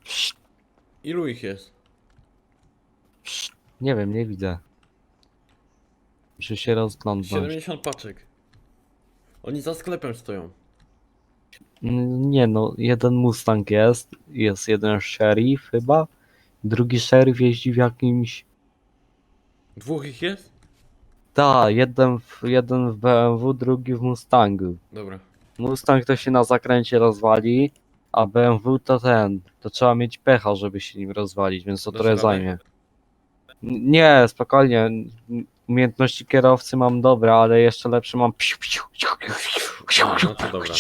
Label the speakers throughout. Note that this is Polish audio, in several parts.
Speaker 1: Psst,
Speaker 2: Ilu ich jest?
Speaker 1: psst. Nie wiem, nie widzę. Muszę się rozglądnąć.
Speaker 2: 70 paczek. Oni za sklepem stoją.
Speaker 1: Nie no, jeden Mustang jest jeden sheriff chyba, drugi sheriff jeździ w jakimś...
Speaker 2: Dwóch ich jest?
Speaker 1: Jeden w BMW, drugi w Mustangu.
Speaker 2: Dobra.
Speaker 1: Mustang to się na zakręcie rozwali, a BMW to trzeba mieć pecha, żeby się nim rozwalić, więc to
Speaker 2: Dasz
Speaker 1: trochę
Speaker 2: radę?
Speaker 1: zajmie. Nie, spokojnie. Umiejętności kierowcy mam dobre, ale jeszcze lepsze mam.
Speaker 2: No to dobra,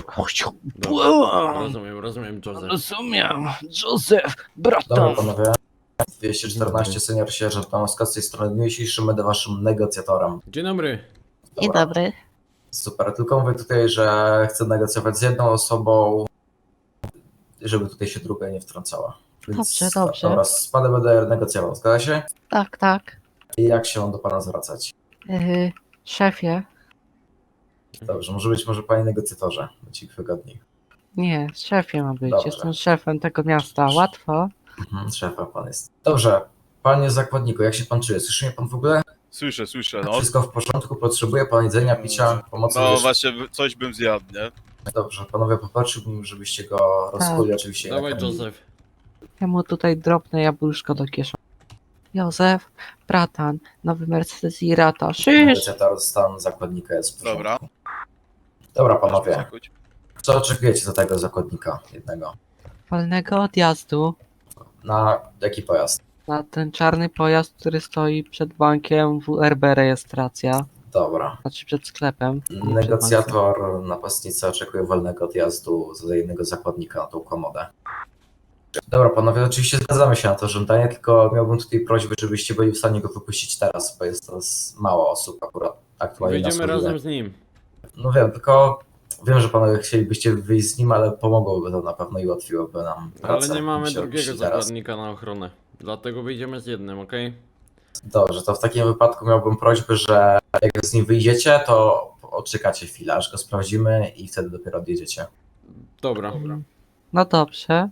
Speaker 2: dobra. Rozumiem, Joseph.
Speaker 1: Rozumiem, Józef,
Speaker 3: Dobra
Speaker 1: bratan.
Speaker 3: panowie, 214 senior sierżant Tomowska z tej strony w dniu dzisiejszym będę waszym negocjatorem.
Speaker 2: Dzień dobry.
Speaker 4: Dzień
Speaker 3: Dobra.
Speaker 4: dobry.
Speaker 3: Super, tylko mówię tutaj, że chcę negocjować z jedną osobą, żeby tutaj się druga nie wtrącała.
Speaker 4: Dobrze, dobrze.
Speaker 3: Dobra, z panem będę negocjował, zgadza się?
Speaker 4: Tak, tak.
Speaker 3: I jak się mam do pana zwracać?
Speaker 4: Szefie.
Speaker 3: Dobrze, może panie negocjatorze, będzie wygodniej.
Speaker 4: Nie, szefie ma być.
Speaker 3: Dobrze.
Speaker 4: Jestem szefem tego miasta. Łatwo.
Speaker 3: Szefa pan jest. Dobrze, panie zakładniku, jak się pan czuje? Słyszy mnie pan w ogóle?
Speaker 5: Słyszę, no.
Speaker 3: Wszystko w porządku? Potrzebuje pan jedzenia, picia, pomocy?
Speaker 5: No
Speaker 3: medycznej?
Speaker 5: właśnie, coś bym zjadł, nie?
Speaker 3: Dobrze, panowie, popatrzyłbym, żebyście go rozkuli oczywiście.
Speaker 2: Dawaj,
Speaker 3: nakarmili.
Speaker 2: Joseph.
Speaker 4: Ja mu tutaj drobne jabłuszko do kieszeni. Józef, bratan, nowy Mercedes i rata. Szysz!
Speaker 3: Negocjator stan zakładnika jest w porządku.
Speaker 5: Dobra.
Speaker 3: Dobra, panowie,
Speaker 5: Zakuć.
Speaker 3: co oczekujecie za tego zakładnika jednego?
Speaker 4: Wolnego odjazdu
Speaker 3: Na jaki pojazd?
Speaker 4: na ten czarny pojazd, który stoi przed bankiem WRB rejestracja.
Speaker 3: Dobra.
Speaker 4: Znaczy przed sklepem. nie przed bankiem.
Speaker 3: Negocjator, napastnica oczekuje wolnego odjazdu za jednego zakładnika na tą komodę. Dobra, panowie, oczywiście zgadzamy się na to żądanie, tylko miałbym tutaj prośbę, żebyście byli w stanie go wypuścić teraz, bo jest to mało osób akurat aktualnie na
Speaker 2: Wyjdziemy
Speaker 3: służbie.
Speaker 2: razem z nim.
Speaker 3: No wiem, tylko wiem, że panowie chcielibyście wyjść z nim, ale pomogłoby to na pewno i ułatwiłoby nam pracę.
Speaker 2: Ale nie mamy
Speaker 3: Musimy
Speaker 2: drugiego
Speaker 3: wyjść teraz.
Speaker 2: zakładnika na ochronę. Dlatego wyjdziemy z jednym, okej?
Speaker 3: Dobrze, to w takim wypadku miałbym prośbę, że jak z nim wyjdziecie, to odczekacie chwilę, aż go sprawdzimy i wtedy dopiero odjedziecie.
Speaker 2: Dobra.
Speaker 4: No dobrze.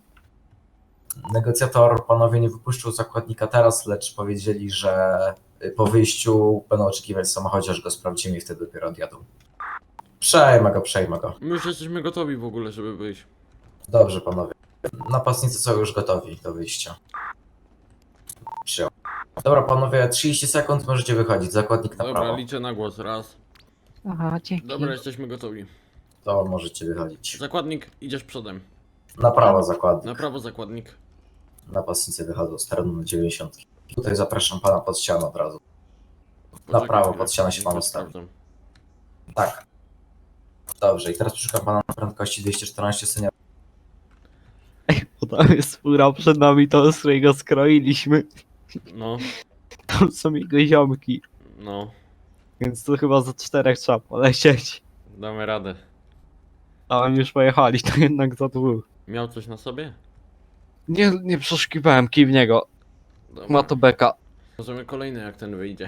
Speaker 3: Negocjator panowie nie wypuszczą zakładnika teraz, lecz powiedzieli, że po wyjściu będą oczekiwać w samochodzie, aż go sprawdzimy i wtedy dopiero odjadą. Przejmę go.
Speaker 2: My już jesteśmy gotowi w ogóle, żeby wyjść.
Speaker 3: Dobrze, panowie. Napastnicy są już gotowi do wyjścia. Przyjął. Dobra, panowie, 30 sekund możecie wychodzić. Zakładnik na
Speaker 2: Dobra,
Speaker 3: prawo.
Speaker 2: liczę na głos. Raz.
Speaker 4: Aha, dzięki.
Speaker 2: Dobra, jesteśmy gotowi.
Speaker 3: To możecie wychodzić.
Speaker 2: Zakładnik, idziesz przodem.
Speaker 3: Na prawo zakładnik.
Speaker 2: Na prawo zakładnik.
Speaker 3: Napastnicy wychodzą z terenu na 90. Tutaj zapraszam pana pod ścianę od razu.
Speaker 2: Poczekaj
Speaker 3: prawo,
Speaker 2: chwilę,
Speaker 3: pod ścianę się pan
Speaker 2: to
Speaker 3: ustawi.
Speaker 2: sprawdzam.
Speaker 3: Tak. Dobrze, i teraz przeszukam pana na prędkości 214 senior.
Speaker 1: Bo tam jest fura przed nami, to z którego skroiliśmy.
Speaker 2: No,
Speaker 1: Tam są jego ziomki.
Speaker 2: no.
Speaker 1: Więc to chyba za 4 trzeba polecieć.
Speaker 2: Damy radę.
Speaker 1: A oni już pojechali, to jednak za 2.
Speaker 2: Miał coś na sobie?
Speaker 1: Nie przeszukiwałem kij w niego.
Speaker 2: Dobra.
Speaker 1: Ma to beka.
Speaker 2: Możemy kolejny, jak ten wyjdzie.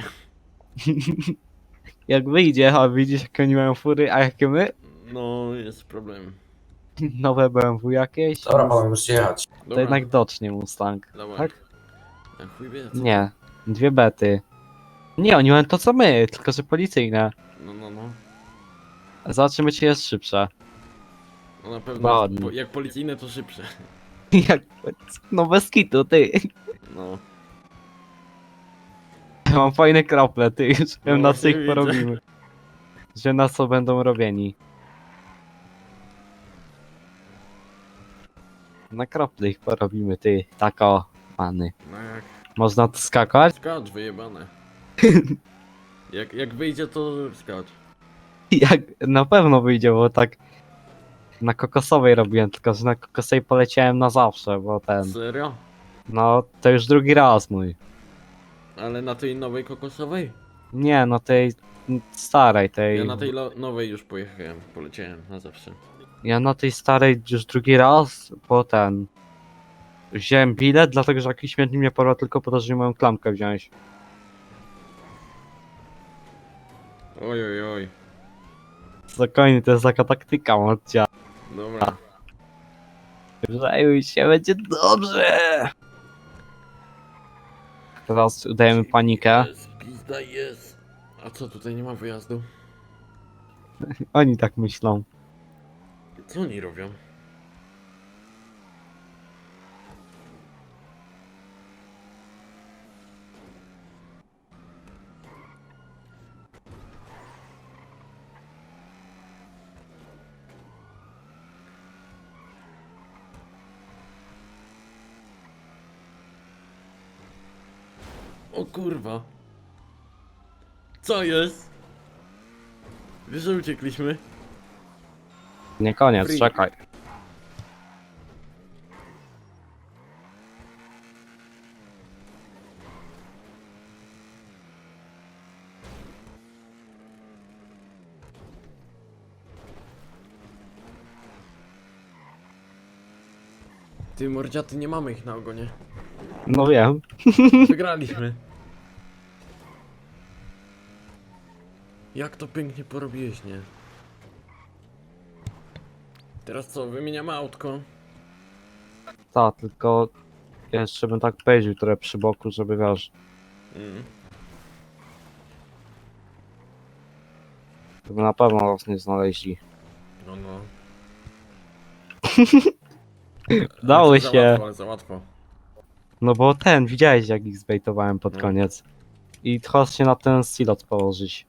Speaker 1: Jak wyjdzie, a widzisz jakie oni mają fury, a jakie my?
Speaker 2: No, jest problem.
Speaker 1: Nowe BMW jakieś?
Speaker 3: Dobra, panowie, możecie jechać.
Speaker 1: To
Speaker 2: Dobra,
Speaker 1: jednak docznie Mustang.
Speaker 2: dawaj.
Speaker 1: tak?
Speaker 2: Jak chuj wie, co?
Speaker 1: Nie, 2 bety. Nie, oni mają to co my, tylko że policyjne.
Speaker 2: No.
Speaker 1: Zobaczymy czy jest szybsze.
Speaker 2: No na pewno,
Speaker 1: Ładnie.
Speaker 2: jak policyjne to szybsze.
Speaker 1: Jak... No bez kitu, ty.
Speaker 2: No.
Speaker 1: Mam fajne krople, ty. Już wiem na co
Speaker 2: właśnie
Speaker 1: ich
Speaker 2: widzę.
Speaker 1: porobimy. Że na co będą robieni. Na krople ich porobimy, ty. Tako, pany.
Speaker 2: No jak
Speaker 1: Można tu skakać?
Speaker 2: skacz wyjebane. Jak wyjdzie to skacz.
Speaker 1: Jak na pewno wyjdzie, bo tak na kokosowej robiłem, tylko że na kokosowej poleciałem na zawsze, bo ten,
Speaker 2: Serio?
Speaker 1: no to już drugi raz mój.
Speaker 2: Ale na tej nowej kokosowej?
Speaker 1: Nie, no tej starej, tej,
Speaker 2: Ja na tej nowej już pojechałem, poleciałem na zawsze.
Speaker 1: ja na tej starej już drugi raz, bo ten, wziąłem bilet, dlatego że jakiś śmietnik mnie porwał tylko po to, żeby moją klamkę wziąć.
Speaker 2: Oj.
Speaker 1: Spokojnie, to jest taka taktyka, Marcia.
Speaker 2: Dobra.
Speaker 1: Przejmuj się, będzie dobrze. Teraz udajemy panikę.
Speaker 2: Jest, pizda jest. A co, tutaj nie ma wyjazdu?
Speaker 1: Oni tak myślą.
Speaker 2: Co oni robią? O kurwa. Co jest? Wiesz, że uciekliśmy?
Speaker 1: Nie koniec,
Speaker 2: Free.
Speaker 1: czekaj.
Speaker 2: Ty mordziaty, nie mamy ich na ogonie.
Speaker 1: No wiem.
Speaker 2: Wygraliśmy. Jak to pięknie porobiłeś, nie? Teraz co, wymieniamy autko?
Speaker 1: Tak, tylko jeszcze bym tak pojeździł trochę przy boku, żeby wiesz,
Speaker 2: Mm.
Speaker 1: żeby na pewno nas nie znaleźli.
Speaker 2: No no.
Speaker 1: Dało
Speaker 2: Ale
Speaker 1: się.
Speaker 2: za łatwo, ale za łatwo.
Speaker 1: No bo ten, widziałeś jak ich zbejtowałem pod
Speaker 2: No.
Speaker 1: koniec. I chodź się na ten silot położyć.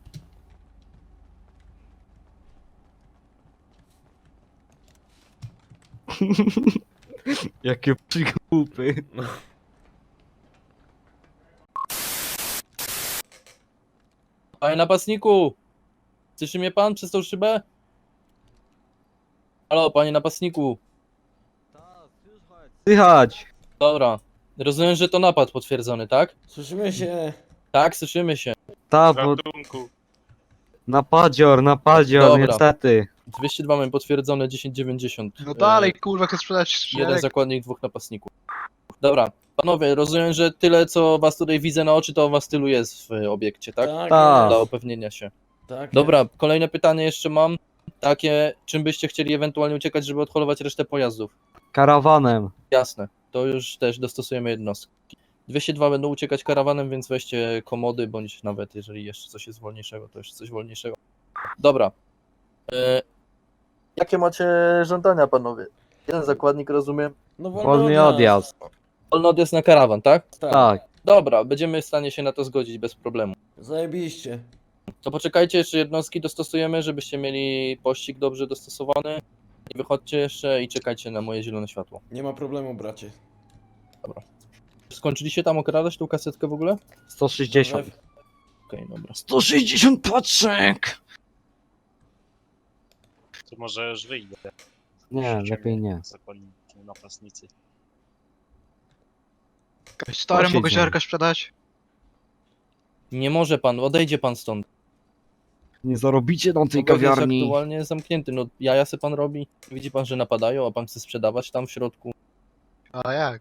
Speaker 1: Jakie przygłupy.
Speaker 6: Panie napastniku! Słyszy mnie pan przez tą szybę? Halo, panie napastniku.
Speaker 1: Słychać!
Speaker 6: Dobra. Rozumiem, że to napad potwierdzony, tak?
Speaker 2: Słyszymy się.
Speaker 6: Tak, słyszymy się.
Speaker 1: Ta, bo
Speaker 5: Ratunku.
Speaker 1: napadzior,
Speaker 6: Dobra.
Speaker 1: niestety.
Speaker 6: 202 mamy potwierdzone 1090.
Speaker 7: No dalej, kurwa, chcę sprzedać
Speaker 6: Jeden
Speaker 7: szereg.
Speaker 6: zakładnik, dwóch napastników. Dobra. Panowie, rozumiem, że tyle co was tutaj widzę na oczy, to was tylu jest w obiekcie, tak?
Speaker 2: Tak,
Speaker 1: Tak.
Speaker 6: Dla
Speaker 2: jest.
Speaker 6: upewnienia się.
Speaker 2: Tak
Speaker 6: Dobra, kolejne pytanie jeszcze mam. Takie, czym byście chcieli ewentualnie uciekać, żeby odholować resztę pojazdów?
Speaker 1: Karawanem.
Speaker 6: Jasne, to już też dostosujemy jednostki. 202 będą uciekać karawanem, więc weźcie komody, bądź nawet jeżeli jeszcze coś jest wolniejszego, to jeszcze coś wolniejszego. Dobra. Jakie macie żądania, panowie? Jeden zakładnik, rozumiem.
Speaker 2: No
Speaker 1: Wolny odjazd.
Speaker 6: Wolny odjazd na karawan, tak?
Speaker 1: Tak.
Speaker 6: Dobra, będziemy w stanie się na to zgodzić bez problemu.
Speaker 2: Zajebiście.
Speaker 6: To poczekajcie, jeszcze jednostki dostosujemy, żebyście mieli pościg dobrze dostosowany. I wychodźcie jeszcze i czekajcie na moje zielone światło.
Speaker 2: Nie ma problemu, bracie.
Speaker 6: Skończyliście tam okradać tą kasetkę w ogóle?
Speaker 1: 160.
Speaker 6: Okej, dobra.
Speaker 1: 160 paczek!
Speaker 8: To może już wyjdę.
Speaker 1: Nie, lepiej nie.
Speaker 8: Zakładnicy, napastnicy.
Speaker 7: Stary, mogę
Speaker 1: Posiedzimy.
Speaker 7: ziarka sprzedać?
Speaker 6: Nie może pan, odejdzie pan stąd.
Speaker 1: Nie zarobicie na tej
Speaker 6: Obiekt jest
Speaker 1: kawiarni.
Speaker 6: aktualnie zamknięty, no jaja se pan robi. Widzi pan, że napadają, a pan chce sprzedawać tam w środku.
Speaker 7: A jak?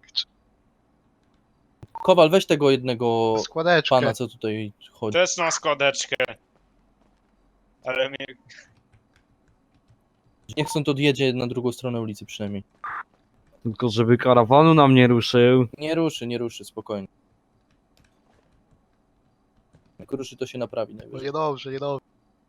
Speaker 6: Kowal, weź tego jednego
Speaker 7: Składeczkę.
Speaker 6: pana, co tutaj chodzi.
Speaker 8: Też mam składeczkę. Ale mnie...
Speaker 6: Niech stąd odjedzie na drugą stronę ulicy przynajmniej.
Speaker 1: Tylko żeby karawanu nam nie ruszył.
Speaker 6: Nie ruszy, spokojnie. Jak ruszy, to się naprawi
Speaker 7: No
Speaker 6: najwyżej.
Speaker 7: niedobrze, niedobrze.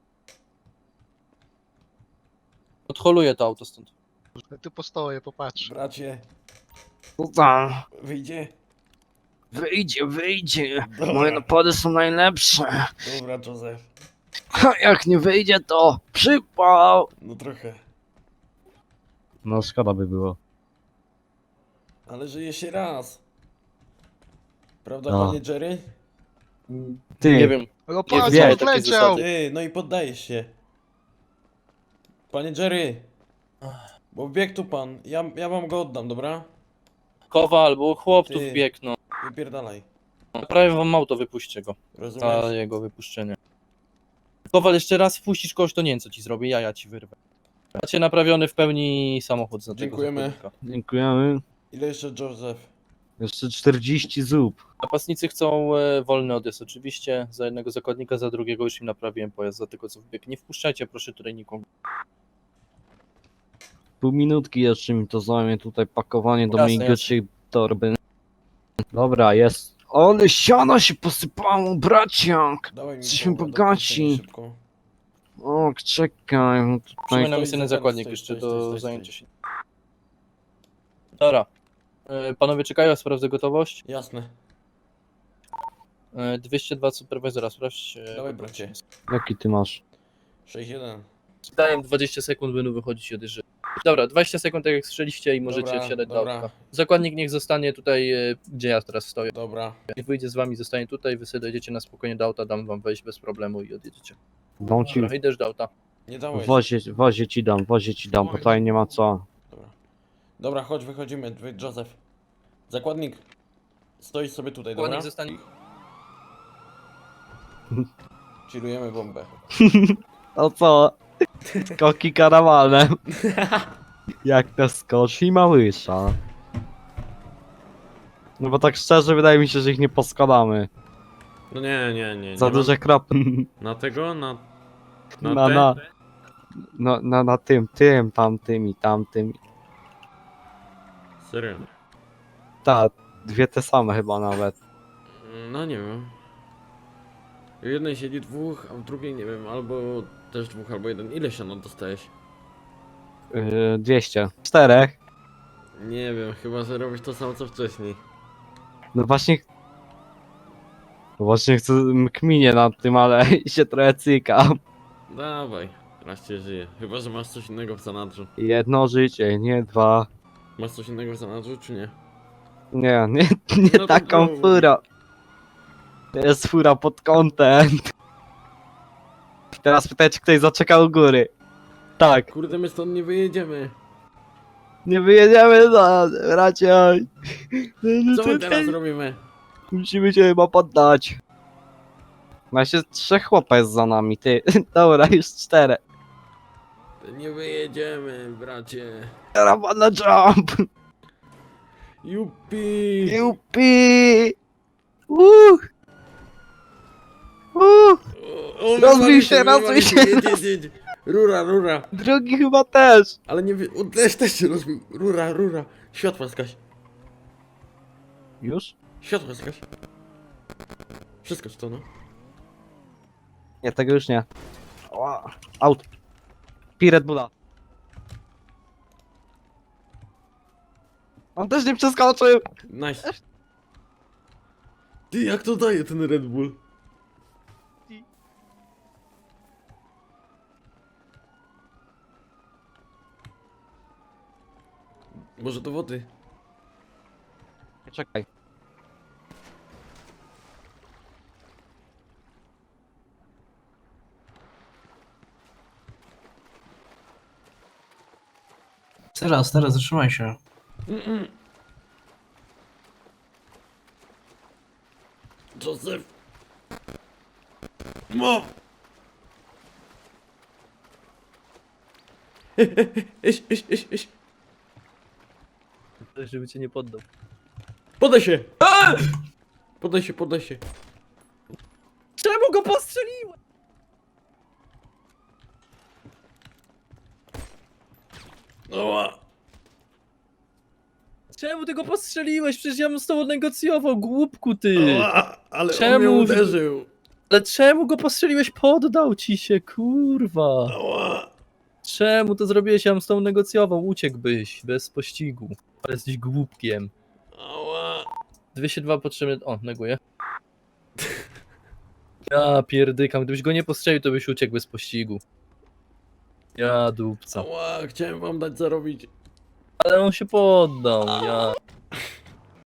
Speaker 6: Odholuję to auto stąd.
Speaker 7: Tu postoję, popatrz.
Speaker 2: Bracie,
Speaker 1: No tam.
Speaker 2: wyjdzie?
Speaker 1: Wyjdzie.
Speaker 2: Dobra.
Speaker 1: Moje napady są najlepsze.
Speaker 2: Dobra, Józef.
Speaker 1: Ha, jak nie wyjdzie, to przypał.
Speaker 2: No trochę.
Speaker 1: No szkoda by było.
Speaker 2: Ale żyje się raz. Prawda,
Speaker 1: No.
Speaker 2: panie Jerry?
Speaker 1: Ty,
Speaker 6: Nie wiem.
Speaker 7: No
Speaker 6: Nie
Speaker 7: patrz,
Speaker 1: wiem,
Speaker 7: odleciał!
Speaker 2: Ty, no i poddajesz się. Panie Jerry. Bo wbiegł tu pan. Ja wam go oddam, dobra?
Speaker 6: Kowal, bo chłop tu
Speaker 2: Ty.
Speaker 6: wbiegł, no.
Speaker 2: Wypierdalaj.
Speaker 6: Prawie wam auto, wypuśćcie go.
Speaker 2: Rozumiesz?
Speaker 6: Za jego wypuszczenie. Kowal, jeszcze raz wpuścisz kogoś, to nie wiem co ci zrobię, ja ci wyrwę. Macie naprawiony w pełni samochód za tego
Speaker 2: Dziękujemy.
Speaker 6: zakładnika.
Speaker 1: dziękujemy.
Speaker 2: Ile jeszcze, Józef?
Speaker 1: Jeszcze 40 zup.
Speaker 6: Napastnicy chcą wolny odjazd oczywiście, za jednego zakładnika, za drugiego już im naprawiłem pojazd, za tego co wbiegł. Nie wpuszczajcie proszę tutaj nikogo.
Speaker 1: pół minutki jeszcze mi to zajmie tutaj pakowanie do
Speaker 6: Jasne,
Speaker 1: mojej
Speaker 6: jasne.
Speaker 1: grubszej torby. Dobra, jest. Ale siano się posypało, braciak!
Speaker 2: Dawaj mi
Speaker 1: Jesteśmy
Speaker 2: połowę,
Speaker 1: bogaci.
Speaker 2: dokończę szybko.
Speaker 1: O, czekaj, no tutaj...
Speaker 6: Przypominam,
Speaker 2: stoi
Speaker 6: jest jeden
Speaker 2: zakładnik,
Speaker 6: zakładnik
Speaker 2: stoi,
Speaker 6: jeszcze
Speaker 2: stoi,
Speaker 6: do
Speaker 2: stoi.
Speaker 6: zajęcia się. Dobra. Panowie czekają, ja sprawdzę gotowość.
Speaker 2: Jasne.
Speaker 6: 202 superwizora, sprawdź.
Speaker 2: Dawaj, bracie.
Speaker 1: Jaki ty masz?
Speaker 2: 6-1.
Speaker 6: Daję im 20 sekund, będą wychodzić i odjeżdżać. Dobra, 20 sekund, tak jak strzeliście i możecie
Speaker 2: Dobra,
Speaker 6: wsiadać do
Speaker 2: dobra.
Speaker 6: autka. Zakładnik niech zostanie tutaj, gdzie ja teraz stoję.
Speaker 2: Dobra.
Speaker 6: Niech wyjdzie z wami, zostanie tutaj, wy sobie dojdziecie na spokojnie do auta, dam wam wejść bez problemu i odjedziecie.
Speaker 1: Dam ci...
Speaker 6: Dobra, idziesz do auta.
Speaker 2: Nie dałeś.
Speaker 1: Wozie ci dam, bo tutaj nie ma co.
Speaker 2: Dobra. Dobra, chodź, wychodzimy. Józef. Zakładnik. Stoisz sobie tutaj, dobra?
Speaker 6: Zakładnik zostanie...
Speaker 2: Chillujemy bombę.
Speaker 1: No co? Skoki karawanem. Jak to skoczy i małysza. No bo tak szczerze wydaje mi się, że ich nie poskładamy.
Speaker 9: No nie.
Speaker 1: Za
Speaker 9: nie
Speaker 1: duże kropy.
Speaker 9: Na tego? Na te?
Speaker 1: Na tym, tamtym i tamtym.
Speaker 9: Serio?
Speaker 1: Tak, dwie te same chyba nawet.
Speaker 9: No nie wiem. W jednej siedzi dwóch, a w drugiej nie wiem, albo też dwóch, albo jeden. Ile siano dostałeś?
Speaker 1: 200. 4.
Speaker 9: Nie wiem, chyba że robisz to samo co wcześniej.
Speaker 1: No właśnie... Właśnie chcę kminię nad tym, ale się trochę cykam.
Speaker 9: Dawaj, raz cię żyje. Chyba że masz coś innego w zanadrzu.
Speaker 1: Jedno życie, nie dwa.
Speaker 9: Masz coś innego w zanadrzu, czy nie?
Speaker 1: Nie
Speaker 9: No to
Speaker 1: taką
Speaker 9: mów.
Speaker 1: furą. To jest fura pod content. Teraz pytać, czy ktoś zaczekał u góry. Tak,
Speaker 9: Kurde, my stąd nie wyjedziemy.
Speaker 1: nie wyjedziemy za bracia.
Speaker 9: Co my teraz robimy?
Speaker 1: Musimy się chyba poddać. Właśnie 3 chłopa jest za nami, ty. Dobra, już 4.
Speaker 9: Nie wyjedziemy, bracie.
Speaker 1: Karawana jump!
Speaker 9: Jupi!
Speaker 1: Jupi!
Speaker 9: O,
Speaker 1: Rozbij się,
Speaker 9: wywalił
Speaker 1: rozbij się,
Speaker 9: jedź. Rura.
Speaker 1: Drugi chyba też.
Speaker 9: Ale nie wy... też się rozbił. Rura. Światła zgaś.
Speaker 1: Już?
Speaker 9: Światła zgaś. Wszystko czy to no?
Speaker 1: Nie, tego już nie. Ała. Out. Pi Red Bulla. On też nie przeskoczył.
Speaker 9: Nice. Ty, jak to daje ten Red Bull? Może do wody?
Speaker 1: Czekaj.
Speaker 10: Teraz, zatrzymaj się.
Speaker 9: Joseph! Mo! Iść.
Speaker 6: Żeby cię nie poddał.
Speaker 9: Podaj się! Podaj się.
Speaker 6: Czemu go postrzeliłem?
Speaker 9: Oła!
Speaker 6: Czemu ty go postrzeliłeś? Przecież ja bym z tobą negocjował, głupku ty!
Speaker 9: Oła! Ale on
Speaker 6: Czemu?
Speaker 9: mnie uderzył!
Speaker 6: Ale czemu go postrzeliłeś? Poddał ci się, kurwa!
Speaker 9: Oła!
Speaker 6: Czemu to zrobiłeś? Ja bym z tobą negocjował, uciekłbyś, bez pościgu. Ale jesteś głupkiem.
Speaker 9: Oła!
Speaker 6: 202 potrzebny... O, neguję. Ja pierdykam, gdybyś go nie postrzelił, to byś uciekł bez pościgu. Ja dupca.
Speaker 9: Oła! Chciałem wam dać zarobić.
Speaker 6: Ale on się poddał, ja...